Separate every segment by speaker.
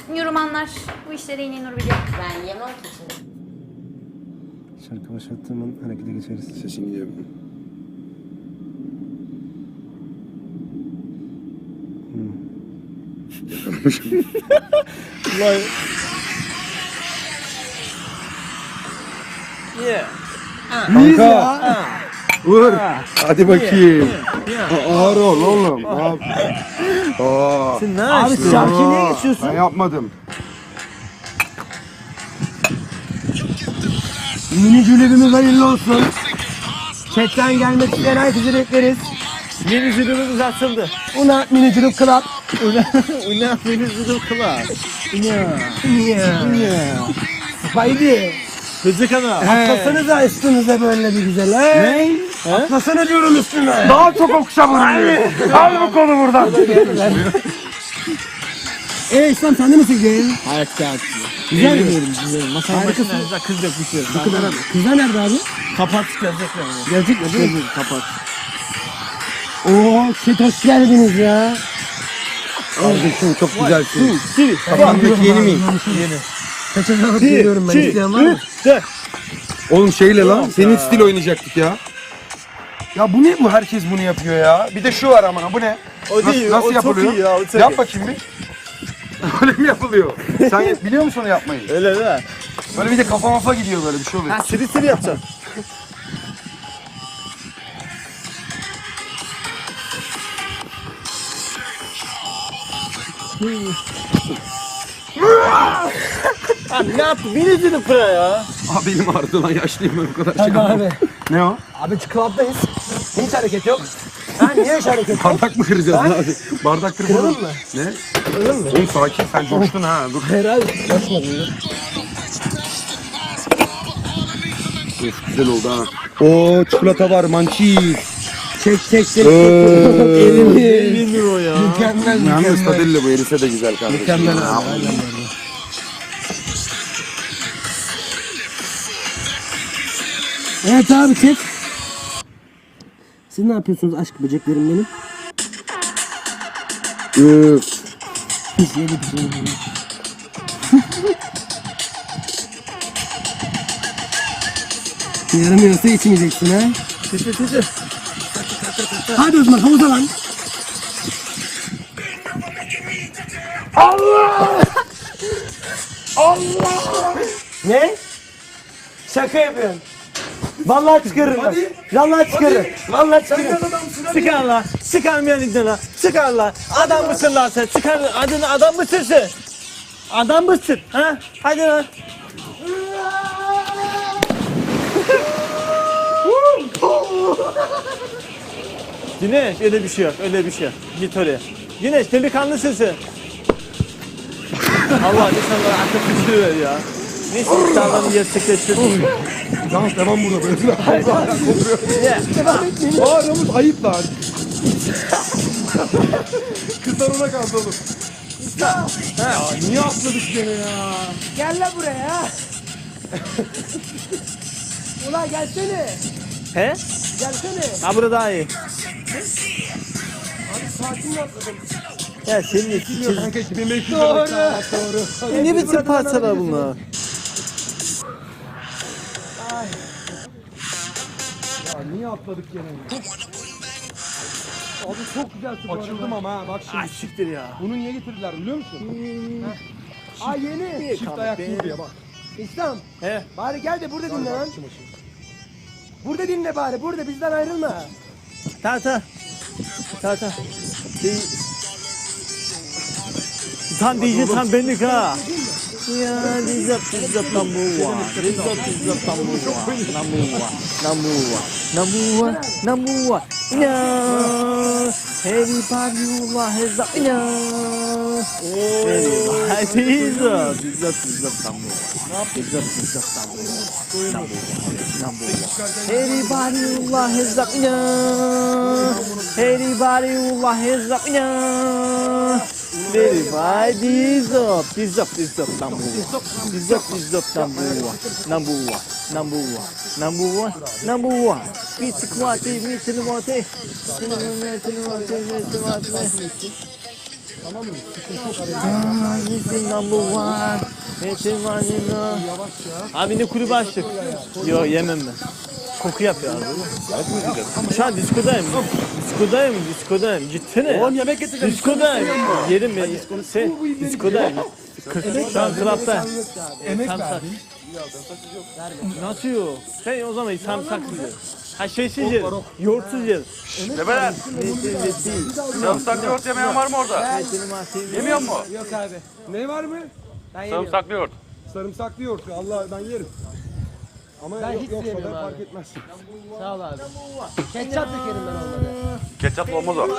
Speaker 1: Yorumanlar bu işleri en iyi Nur biliyor.
Speaker 2: Ben yemem ki şimdi.
Speaker 3: Şarkı başlattığım an harekete geçeriz.
Speaker 4: Sesin gidiyor.
Speaker 3: Vay.
Speaker 5: Yeah.
Speaker 4: Kanka. Vur. Hadi bakayım. Ağır ol oğlum. Aa.
Speaker 5: Sen ne
Speaker 3: Abi
Speaker 5: yapıyorsun?
Speaker 3: şarkıyı niye geçiyorsun?
Speaker 4: Ben yapmadım.
Speaker 3: Yeni cülebimiz hayırlı olsun. Chatten gelmek isteyen herkese bekleriz.
Speaker 5: Yeni zürümümüz açıldı.
Speaker 3: Una mini cülüp club.
Speaker 5: Ulan yeni zürüm kılar.
Speaker 3: Ya. Haydi.
Speaker 5: Kızı kana.
Speaker 3: Atlasanıza üstünüze böyle bir güzel he.
Speaker 5: He?
Speaker 3: Atlasana diyorum üstüne.
Speaker 4: Daha çok okşa vuruyor. Al bu kolu buradan.
Speaker 3: İslam sen de nasıl gidiyorsun?
Speaker 5: Hayat kağıtçı.
Speaker 3: Güzel mi?
Speaker 5: Güzel. Masanın
Speaker 3: Harikasın.
Speaker 5: başında kız yapışıyor.
Speaker 3: Kızlar nerede abi?
Speaker 5: Kapat gelecekler.
Speaker 3: Gelecek mi? Değil mi?
Speaker 5: Kapat.
Speaker 3: Oo shit hoş geldiniz ya.
Speaker 4: Kardeşim çok güzelsin.
Speaker 5: Siri.
Speaker 4: Kafandaki yeni miyim?
Speaker 5: Yeni.
Speaker 3: Kaçak alıp geliyorum ben. İsteyen var mı?
Speaker 4: Oğlum şeyle lan. Senin stil oynayacaktık ya. Ya bu ne bu? Herkes bunu yapıyor ya. Bir de şu var ama bu ne?
Speaker 5: O değil.
Speaker 4: Nasıl
Speaker 5: o
Speaker 4: yapılıyor?
Speaker 5: çok iyi ya. O çok
Speaker 4: Yap
Speaker 5: iyi.
Speaker 4: bakayım bir. Böyle mi yapılıyor? Sen biliyor musun onu yapmayı?
Speaker 5: Öyle değil mi?
Speaker 4: Böyle bir de kafa mafa gidiyor böyle bir şey oluyor.
Speaker 5: Ha siri siri yapacaksın. Abi ne yaptın? Beni izledin pıra ya.
Speaker 4: Abi benim ağrıdı lan yaşlıyım ben o kadar
Speaker 3: Hadi
Speaker 4: şey yapamam.
Speaker 3: abi.
Speaker 4: Ne o?
Speaker 3: Abi club'dayız. Hiç hareket yok. Ha niye hiç hareket yok?
Speaker 4: Bardak mı kıracağız lan abi? Bardak kırmadım.
Speaker 3: Kıralım mı?
Speaker 4: Ne?
Speaker 3: Kıralım mı?
Speaker 4: Oğlum sakin sen coştun ha dur.
Speaker 3: Herhalde. Başmadım.
Speaker 4: Of güzel oldu ha. Oo çikolata var mançiz.
Speaker 3: Çek.
Speaker 4: Ee,
Speaker 3: Elimi.
Speaker 5: Bilmiyor o ya.
Speaker 3: Mükemmel
Speaker 4: Yalnız
Speaker 3: mükemmel.
Speaker 4: tadelle bu erise de güzel kardeşim.
Speaker 3: Mükemmel
Speaker 4: Ya.
Speaker 3: abi. Aynen böyle. Evet abi çek. Siz ne yapıyorsunuz aşk böceklerim benim?
Speaker 4: Üf.
Speaker 3: Pis yedi pis yedi. Yaramıyorsa içmeyeceksin ha.
Speaker 5: Titi.
Speaker 3: Hadi o zaman havuza lan. Allah! Ne? Şaka yapıyorsun. Vallahi çıkarırım bak. Vallahi çıkarırım. Vallahi çıkarırım.
Speaker 5: Çıkar lan. Çıkarmayan iddia lan. Çıkar lan. Adam mısın lan sen? Çıkar adını adam mısın sen? Adam mısın? Ha? Hadi lan. Güneş öyle bir şey yok. Öyle bir şey yok. Git oraya. Güneş delikanlısın sen. Allah lütfen bana akıl fikir ver ya. Neyse iddialarını gerçekleştirdim.
Speaker 4: Yalnız devam burada böyle.
Speaker 5: Yeah.
Speaker 4: Aa Ramuz ayıp lan. Kızlar ona kaldı oğlum. Ya niye atladık gene ya?
Speaker 3: Gel lan buraya. Ulan gelsene.
Speaker 5: He?
Speaker 3: Gelsene.
Speaker 5: Ha burada daha iyi.
Speaker 3: Sakin atladım.
Speaker 5: Ya senin için.
Speaker 4: Kanka 2500
Speaker 3: Doğru.
Speaker 4: Doğru.
Speaker 5: Ne biçim parçalar bunlar?
Speaker 4: Ya niye atladık gene? Abi çok güzel su. Açıldım ama ha bak
Speaker 5: Ay
Speaker 4: şimdi.
Speaker 5: siktir ya.
Speaker 4: Bunu niye getirdiler biliyor musun?
Speaker 3: Aa yeni.
Speaker 4: Çift ayak diye bak.
Speaker 3: İslam.
Speaker 5: He?
Speaker 3: Bari gel de burada dinle lan. Burada dinle bari. Burada bizden ayrılma.
Speaker 5: Ta. Tam diyeceğim tam benlik ha. Ya dizap number one. Dizap number one. No. Everybody has a no. Everybody dizap number one. Dizap number one. Everybody has a no. Everybody has a no. Verify dizap number one. Dizap number one. Bitik vati.
Speaker 3: Tamam mı?
Speaker 5: Metin number one. Metin vanilla. Abi ne kulübü açtık. Yok yemem ben. Koku yapıyor abi. Şu an diskodayım. Diskodayım. Gitsene.
Speaker 3: Oğlum yemek getireceğim.
Speaker 5: Diskodayım. Yerim ben. Sen diskodayım. Şu an klapta.
Speaker 3: Emek
Speaker 5: Samsak.
Speaker 3: verdin.
Speaker 5: Nasıl yok? Sen o zaman sarımsaksız yer. Ha şeysiz yer. Yoğurtsuz yer.
Speaker 2: Bebeler, sarımsaklı yoğurt yemeyen var mı orada? Yemiyor mu?
Speaker 3: Yok abi. Ne var mı?
Speaker 2: Sarımsaklı yoğurt.
Speaker 3: Sarımsaklı yoğurt. Allah ben yerim. Ama yoksa da fark etmez.
Speaker 6: Sağ ol abi. Ketçap dökerim ben olmadı.
Speaker 2: Ketçaplı olmaz o.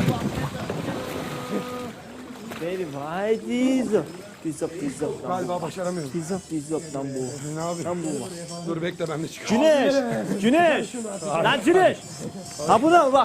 Speaker 5: Benim haydi. Pizza.
Speaker 3: Galiba başaramıyorum.
Speaker 5: Pizza lan bu.
Speaker 3: Ne abi?
Speaker 5: Lan bu var.
Speaker 3: Dur bekle ben de çıkayım.
Speaker 5: Güneş. Lan Güneş. Ha buna mı bak.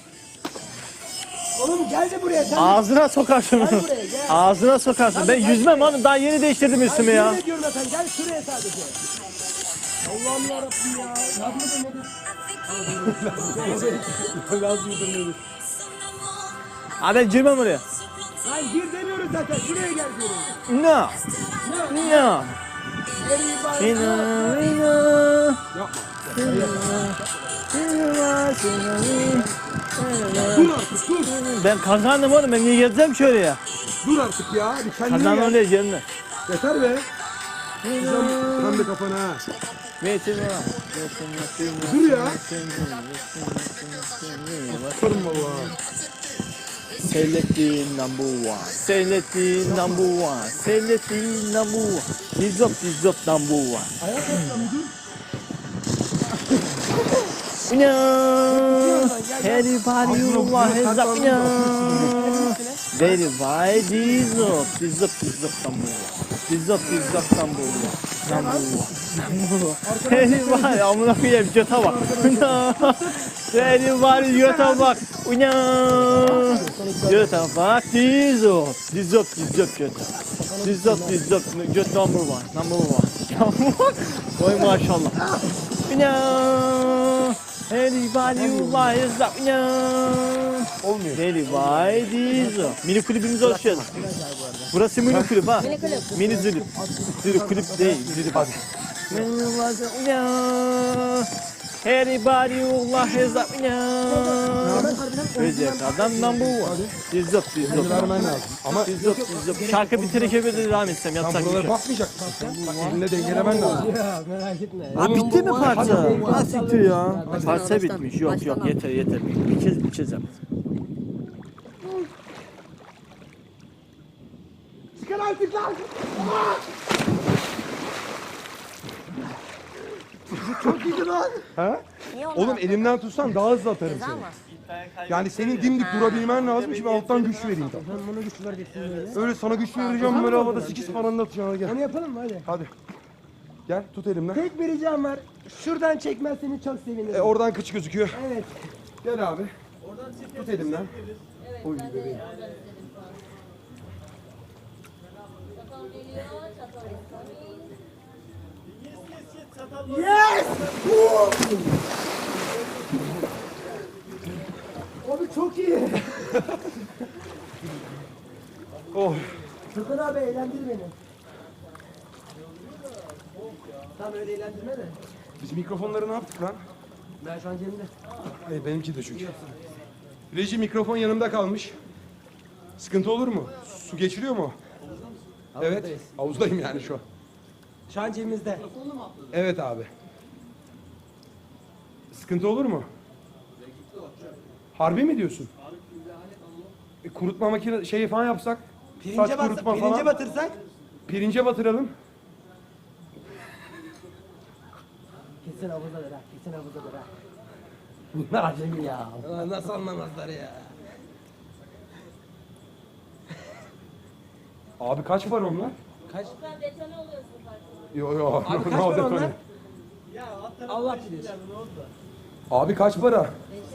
Speaker 6: Oğlum gel de buraya sen.
Speaker 5: Ağzına sokarsın.
Speaker 6: Gel buraya gel.
Speaker 5: Ağzına sokarsın. Ben yüzmem oğlum. Daha yeni değiştirdim üstümü ya.
Speaker 6: Ne diyorum efendim gel şuraya sadece. Allah'ım yarabbim ya. Laz mıdır nedir?
Speaker 3: Laz mıdır nedir?
Speaker 5: Ha ben girmem oraya.
Speaker 6: Lan gir demiyoruz zaten şuraya gel diyorum.
Speaker 5: No.
Speaker 3: Dur artık dur.
Speaker 5: Ben kazandım oğlum. Ben niye geleceğim şöyle ya?
Speaker 3: Dur artık ya. Bir kendine
Speaker 5: Kazandım
Speaker 3: gel.
Speaker 5: oraya gelme.
Speaker 3: Yeter be. Tam da kafana ha.
Speaker 5: Metin var.
Speaker 3: Dur ya. Yaparım valla.
Speaker 5: Seylettiğin number one. Seylettiğin number one. Seylettiğin number one. Dizop number one. No. Everybody you want hands up. No. Very wide. Dizop number one. Dizop number one. Seni var ya amına koyayım göte bak. Seni var göte bak. Göte bak. Dizop göte. Dizop göte number one. Oy maşallah. Everybody you like is up.
Speaker 3: Olmuyor.
Speaker 5: Very wide. Mini kulübümüze hoş geldin. Burası mini kulüp ha. Mini zülüp. Zülüp kulüp değil. Zülüp hadi. Everybody Allah is up. Özel adam number one. Dizop.
Speaker 3: Vermen lazım. Ama
Speaker 5: Dizop. Şarkı bitirirken böyle devam etsem
Speaker 3: tam
Speaker 5: yapsak bir
Speaker 3: buralara
Speaker 5: şey.
Speaker 3: bakmayacaksın. Bak elinle dengelemen lazım.
Speaker 6: Ya merak etme.
Speaker 5: Ha bitti mi parça? Ha siktir ya. Parça bitmiş. Yok yeter. Bir kez yap.
Speaker 3: Çıkar artık lan. Çok iyiydi lan. Ha?
Speaker 1: Niye onu
Speaker 3: Oğlum elimden tutsan daha hızlı atarım
Speaker 1: Ceza
Speaker 3: seni.
Speaker 1: mı?
Speaker 3: Yani senin dimdik durabilmen lazım. Şimdi alttan güç vereyim.
Speaker 6: Ben bana güç vereceksin böyle.
Speaker 3: Öyle sana güç vereceğim böyle havada 8 falan da atacağım. Hadi gel.
Speaker 6: Onu yapalım mı hadi?
Speaker 3: Hadi. Gel tut elimden.
Speaker 6: Tek bir ricam var. Şuradan çekmezseni çok sevinirim.
Speaker 3: Oradan kıç gözüküyor.
Speaker 6: Evet.
Speaker 3: Gel abi. Tut elimden. Oy bebeğim.
Speaker 6: Yes! Abi çok iyi.
Speaker 3: Oh.
Speaker 6: Furkan abi eğlendir beni. Tam öyle eğlendirme de.
Speaker 3: Biz mikrofonları ne yaptık lan?
Speaker 6: Ben şu an cebimde.
Speaker 3: Hayır benimki de çünkü. Reji mikrofon yanımda kalmış. Sıkıntı olur mu? Su geçiriyor mu? Evet. Havuzdayım yani şu an.
Speaker 6: Şu an cebimizde.
Speaker 3: Evet abi. Sıkıntı olur mu? Harbi mi diyorsun? Kurutma makine şeyi falan yapsak. Saç kurutma
Speaker 6: Pirince
Speaker 3: falan.
Speaker 6: batırsak.
Speaker 3: Pirince batıralım.
Speaker 6: Kesin havuzadır ha. Kesin havuzadır ha. Bunlar acemi ya. Nasıl anlamazlar ya.
Speaker 3: Abi kaç var onlar?
Speaker 6: Kaç?
Speaker 3: Yo yo.
Speaker 6: Abi kaç
Speaker 3: no
Speaker 6: para
Speaker 3: detone.
Speaker 6: onlar? Allah bilir.
Speaker 3: Abi kaç para?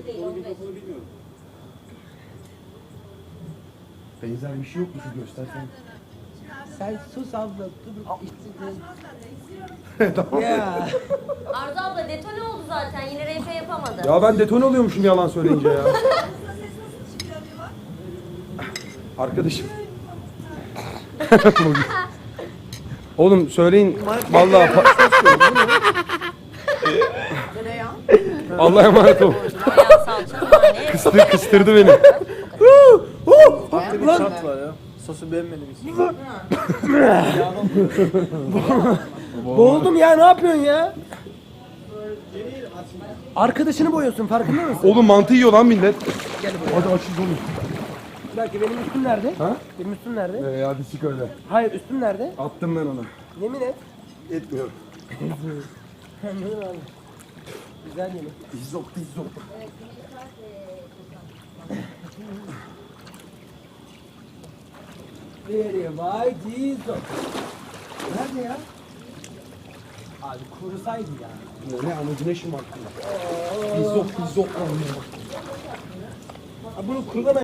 Speaker 3: Benzer bir şey yok mu şu göstersen?
Speaker 6: Sen sus abla. Dur.
Speaker 3: Tamam.
Speaker 6: Ya.
Speaker 1: Arzu abla detone oldu zaten. Yine RP yapamadı.
Speaker 3: Ya ben detone oluyormuşum yalan söyleyince ya. Arkadaşım. Oğlum söyleyin. Vallahi Allah'a emanet ol.
Speaker 1: Bayağı salça nane.
Speaker 3: Kıstırdı beni.
Speaker 5: Bir çat var ya. Sosu beğenmedim hiç.
Speaker 6: Boğuldum ya, ne yapıyorsun ya? Arkadaşını boyuyorsun, farkında mısın?
Speaker 3: Oğlum mantı yiyor lan millet. Hadi açız oğlum.
Speaker 6: Bir dakika, benim üstüm nerede?
Speaker 3: Ha?
Speaker 6: Benim üstüm nerede?
Speaker 3: Hadi sik öyle.
Speaker 6: Hayır, üstüm nerede?
Speaker 3: Attım ben ona.
Speaker 6: Yemin et.
Speaker 3: Etmiyorum.
Speaker 6: Anladım abi. Güzel yemin.
Speaker 3: İzzok.
Speaker 6: Very vay Jesus. Nerede ya? Abi kurusaydı ya.
Speaker 3: Ne amacına şımarttın? İzzok.
Speaker 6: Bunu kurulama